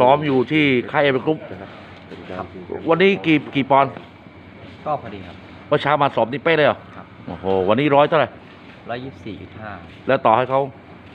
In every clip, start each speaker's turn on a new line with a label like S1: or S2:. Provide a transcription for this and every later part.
S1: ซ้อมอยู่ที่ค่ายเอเวอร์กรุ๊ป
S2: ครับ
S1: วันนี้กี่ปอนด์
S2: ก็พอดีครับ
S1: เมื่อเช้ามาสอบนี่เป๊ะเลยเหรอ
S2: ครับ
S1: โอ้โหวันนี้100เท่าไหร่
S2: 124.5
S1: แล้วต่อให้เขา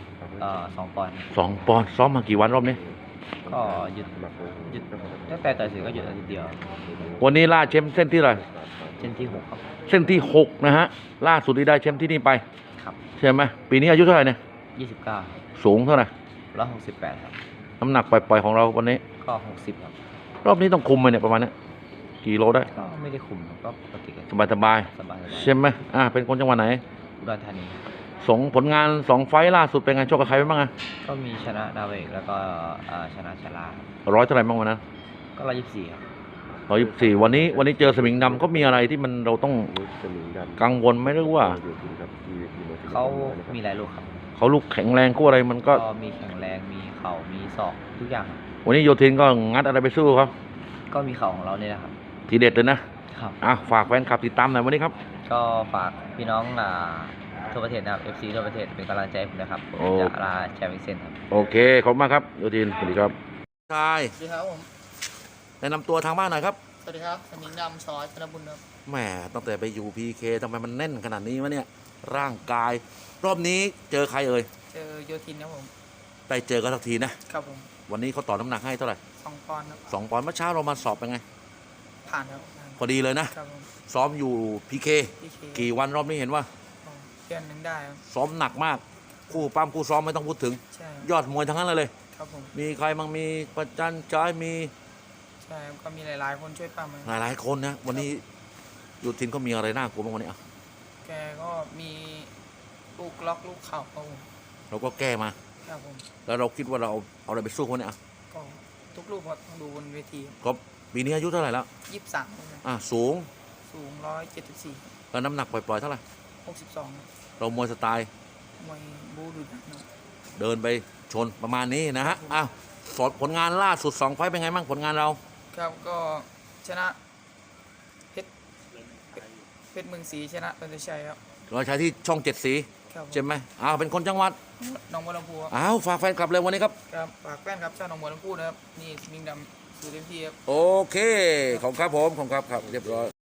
S2: 2 ปอนด์
S1: 2 ปอนด์ซ้อมมากี่วันรอบนี้
S2: ก็หยุดตั้งแต่ต่อยเสร็จก็หยุดอาทิตย์เดียว
S1: วันนี้ล่าแชมป์เส้นที่เท่าไหร่
S2: เช่นที่ 6 ครับ
S1: เส้นที่6นะฮะล่าสุดที่ได้แชมป์ที่นี่ไป
S2: ครับ
S1: ใช่ไหมปีนี้อายุเท่าไหร่เนี่ย
S2: 29
S1: สูงเท่าไหร่
S2: 168 ครับ
S1: น้ำหนักปล่อยๆของเราวันนี้
S2: ก็ 60 ครับ
S1: รอบนี้ต้องคุมไปเนี่ยประมาณเนี้ยกี่โลได้
S2: ก็ไม่ได้คุมก็ปกติกัน
S1: สบาย
S2: สบาย
S1: ๆใช่ไหมเป็นคนจังหวัดไหน
S2: อุดรธานีครับ
S1: ผลงาน2 ไฟต์ล่าสุดเป็นไงชกกับใครไปบ้างอะ
S2: ก็มีชนะดาวเอกแล้วก็ชนะชลา
S1: ร้อยเท่าไหร่บ้างวันนั้น
S2: ก็124 ครับ
S1: 124วันนี้เจอสมิงดำก็มีอะไรที่เราต้องกังวลไหมหรือว่า
S2: เขามีหลายลูกครับ
S1: เขาลูกแข็งแรงกู้อะไรมันก็
S2: ก็มีแข็งแรงมีเข่ามีศอกทุกอย่างครับ
S1: วันนี้โยธินก็งัดอะไรไปสู้ครับ
S2: ก็มีเข่าของเราเนี่ยนะครับ
S1: ทีเด็ดเลยนะครับ ฝากแฟนคลับติดตามหน่อยวันนี้ครับ
S2: ก็ฝากพี่น้องทั่วประเทศนะครับ FC ทั่วประเทศเป็นกำลังใจให้ผมนะครับผมจะลาแชมป์อีกเส้นครับ
S1: โอเคขอบคุณมากครับโยธินสวัสดีครับชาย
S3: สวัสดีครับผม
S1: แนะนำตัวทางบ้านหน่อยครับ
S3: สวัสดีครับสมิงดำซอยธนบุญครับ
S1: แหมตั้งแต่ไปอยู่พีเคทำไมมันแน่นขนาดนี้วะเนี่ยร่างกาย รอบนี้เจอใครเอ่ย
S3: เจอโยทินครับผม
S1: ได้เจอกันสักทีนะครับ
S3: ผม
S1: วันนี้เขาต่อน้ำหนักให้เท่าไหร่
S3: 2 ปอนด์ครับ
S1: 2 ปอนด์เมื่อเช้าเรามาสอบเป็นไง
S3: ผ่านครับผ่าน
S1: พอดีเลยนะครับ
S3: ผม
S1: ซ้อมอยู่พีเค
S3: พี่เค
S1: กี่วันรอบนี้เห็นว่า
S3: เดือนหนึงได้ครับ
S1: ซ้อมหนักมาก คู่ปั้มคู่ซ้อมไม่ต้องพูดถึง
S3: ใช่
S1: ยอดมวยทั้งนั้นเลย
S3: ครับผม
S1: มีใครบ้างมีประจันจ้ายมี
S3: ใช่ครับก็มีหลายๆคนช่วยปั้ม
S1: หลายๆคนนะวันนี้ยูทินก็มีอะไรน่ากลัวบ้างวันนี้อ่ะ
S3: แกก็มีลูกล็อกลูกเข่าครับผม
S1: เราก็แก้มา
S3: ครับผม
S1: แล้วเราคิดว่าเราเอาอะไรไปสู้คนนี้อ่ะ
S3: ก็ทุกลูกก็ต้องดูบนเวที
S1: ก็ปีนี้อายุเท่าไหร่แล้ว
S3: 23
S1: สูง
S3: สูง174
S1: แล้วน้ำหนักปล่อยๆเท่าไหร่
S3: 62
S1: เรามวยสไตล์
S3: มวยบูดุดันครับ
S1: เดินไปชนประมาณนี้นะฮะสดผลงานล่าสุด2 ไฟต์เป็นไงบ้างผลงานเรา
S3: ครับก็ชนะเพชรเมืองศรีชนะตันตชัยครับ
S1: เราใช้ที่ช่อง7 สี
S3: ครับ
S1: ใช่ไหมเป็นคนจังหวัด
S3: หนองบัวลำพูครับ
S1: ฝากแฟนคลับเลยวันนี้ครับ
S3: ครับฝากแฟนครับชาวหนองบัวลำพูนะครับนี่สมิงดำสู่เต็มที่ครับ
S1: โอเคขอบคุณครับผมขอบคุณครับเรียบร้อย